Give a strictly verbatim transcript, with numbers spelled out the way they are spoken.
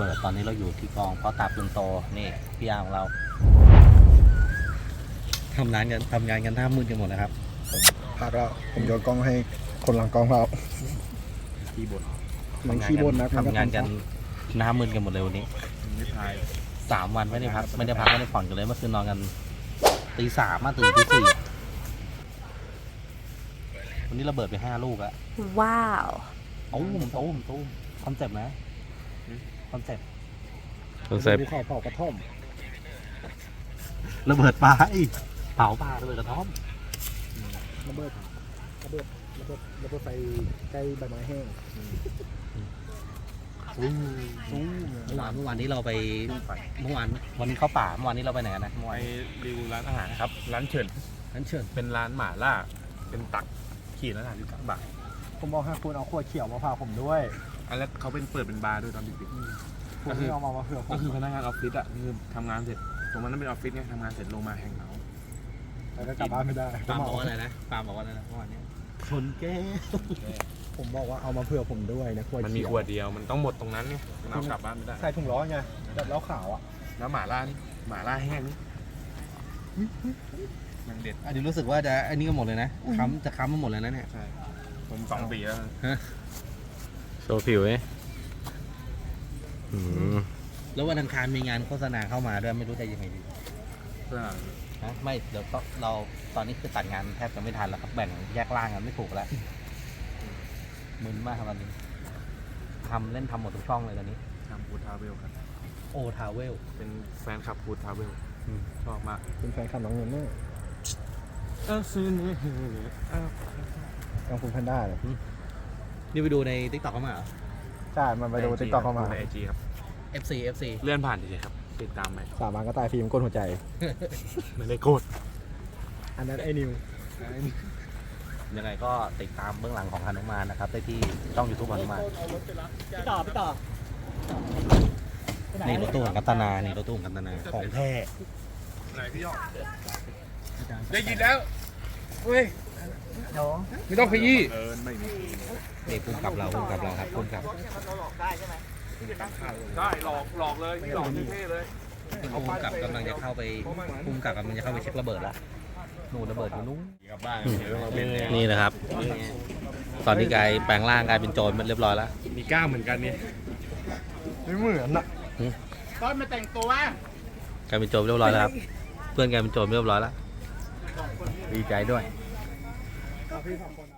บิดตอนนี้เราอยู่ที่กองเพาะตาปืนโตนี่พี่อาของเราทำงานกันทำงานกันหน้ามืดกันหมดนะครับผมพลาดแล้วผมโยนกล้องให้คนหลังกล้องเราขี้บ่นมันขี้บ่นนะทำงานกันหน้ามืดกันหมดเลยวันนี้ไม่ทายสามวันไม่ได้พักไม่ได้พักไม่ได้ผ่อนกันเลยเมื่อคืนนอนกันตีสามมาตื่นตีสี่วันนี้ระเบิดไปห้าลูกอะว้าวตุ้มตุ้มตุ้มคอนเซ็ปต์นะคอนเซ็ปต์คอนเซ็ปต์ภูเขาเผากระท่อมระเบิดปลาอีกเผาปลาระเบิดกระท่อมระเบิดระเบิดระเบิดระเบิดไฟใกล้ใบไม้แห้งสู้สู้เมื่อวานเมื่อวานนี้เราไปเมื่อวานวันนี้เข้าป่าเมื่อวานนี้เราไปไหนกันนะเมื่อไปวานรีวิวร้านอาหารครับ ร้านเฉินนั้นเชิญเป็นร้านหม่าล่า เป็นตักขีดละสามสิบสามบาทผมบอกให้คุณเอาขวดเขียวมาพาผมด้วยอันแล้วเขาเป็นเปิดเป็นบาร์ด้วยตอนดึกคุณไม่เอามามาเผื่อๆผก็มคือพนักงานออฟฟิศอ่ะคือทำงานเสร็จ ตรงนั้นเป็นออฟฟิศไงทำงานเสร็จลงมาแฮงเอาท์แต่ก็กลับบ้านไม่ได้ปาล์มบอกว่าอะไรนะปาล์มบอกว่าอะไรนะเมื่อวานนี้คนแก้ผมบอกว่าเอามาเผื่อผมด้วยนะขวดมันมีเขียวขวดเดียว มันต้องหมดตรงนั้นไงมันเอากลับบ้านไม่ได้ใส่ถุงร้อนไงแบบเหล้าขาวอ่ะแล้วหม่าล่านี่หม่าล่าแห้งนี่มันเด็ดอันนี้รู้สึกว่าจะอันนี้ก็หมดเลยนะค้ำจะค้ำมาหมดเลยนะเนี่ยใช่ ผมสองปีแล้วโชว์ผิวไหมอืมแล้ววันอังคารมีงานโฆษณาเข้ามาด้วยไม่รู้จะยังไงดีเพื่อนะไม่เดี๋ยวก็เราตอนนี้คือตัดงานแทบจะไม่ทันแล้วครับแบ่งแยกร่างกันไม่ถูกแล้วมึนมากครับตอนนี้ทำเล่นทำหมดทุกช่องเลยตอนนี้ทำฟูดทราเวลครับโอทาวเวลเป็นแฟนคลับฟูดทราเวลชอบมากเป็นแฟนคลับน้องเงินเนอร์เออซื้อนี่เออน้องคุณแพนด้าเลยนี่ไปดูในทิกตอกเข้ามาเหรอใช่มันไปดูติ๊กต็อกเข้ามาในไอจีครับเอฟซี เอฟซีเลื่อนผ่านเฉยๆครับ ติดตามไปสามวันก็ตายฟิล์มก้นหัวใจไม่ได้โกรธอันนั้นไอ้นิวยังไงก็ติดตามเบื้องหลังของฮานุมานนะครับได้ที่ช่องยูทูบฮานุมานพี่ต่อพี่ต่อนี่รถตู้ของกัตนานี่รถตู้ของกัตนาของแท้ไหนพี่ยอดได้ยินแล้วเฮ้ยเดี๋ยวไม่ต้องขยี้เออไม่มีนี่พุ่มกับเราพุ่มกับเราครับพุ่มกับได้หลอกหลอกเลยหลอกเท่ๆเลยพุ่มกับกำลังจะเข้าไปพุ่มกับกำลังจะเข้าไปเช็คระเบิดละหนูระเบิดอยู่นู้นกลับบ้านเดี๋ยวเราเป็นเนี่ยนี่นะครับ ตอนนี้กลายแปลงร่างกลายเป็นโจรมันเรียบร้อยแล้วมีกล้ามเหมือนกันเนี่ยไม่เหมือนอะตอนมาแต่งตัวกลายเป็นโจรเรียบร้อยแล้วครับเพื่อนกลายเป็นโจรเรียบร้อยแล้วดีใจด้วยพี่สองคน